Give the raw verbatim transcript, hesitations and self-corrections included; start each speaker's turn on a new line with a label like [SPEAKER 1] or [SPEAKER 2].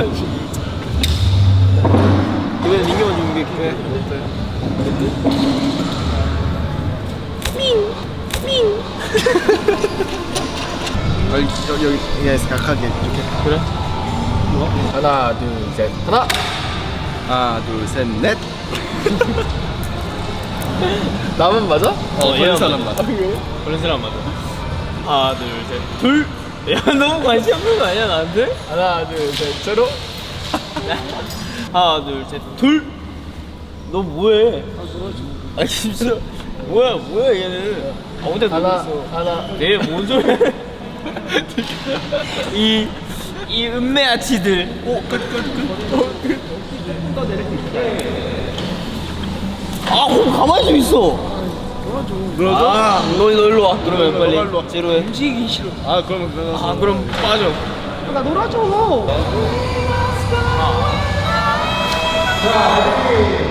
[SPEAKER 1] 이번엔 민규만 준비해. 그래. 밍! 밍!
[SPEAKER 2] 여기 여기 여기서 각하게 이렇게.
[SPEAKER 1] 그래?
[SPEAKER 2] 하나 둘 셋.
[SPEAKER 1] 하나!
[SPEAKER 2] 하나 둘 셋 넷. 나만 맞아?
[SPEAKER 1] 어,
[SPEAKER 2] 얘 사람 맞아.
[SPEAKER 1] 그런 사람 맞아. 하나, 둘, 셋. 둘! 야, 너무 관심 없는 거 아니야, 나한테?
[SPEAKER 2] 하나 둘 셋. 제로.
[SPEAKER 1] 하나, 둘, 셋. 둘! 너 뭐해? 아, 진짜. 뭐야, 뭐야, 얘는. 아무데
[SPEAKER 2] 하나
[SPEAKER 1] 놀고 있어.
[SPEAKER 2] 하나.
[SPEAKER 1] 내 뭔 소리야? 이, 이 은메아치들. 오, 끝, 끝, 끝. 아, 그럼 가만히 좀 있어.
[SPEAKER 2] 놀아줘.
[SPEAKER 1] 아, 너, 너 일로 와. 그러면
[SPEAKER 2] 너가 일로
[SPEAKER 1] 빨리
[SPEAKER 2] 와.
[SPEAKER 1] 제로해. 움직이기 싫어.
[SPEAKER 2] 아 그럼 그럼.
[SPEAKER 1] 아, 그럼 빠져.
[SPEAKER 2] 나 놀아줘.
[SPEAKER 1] 자,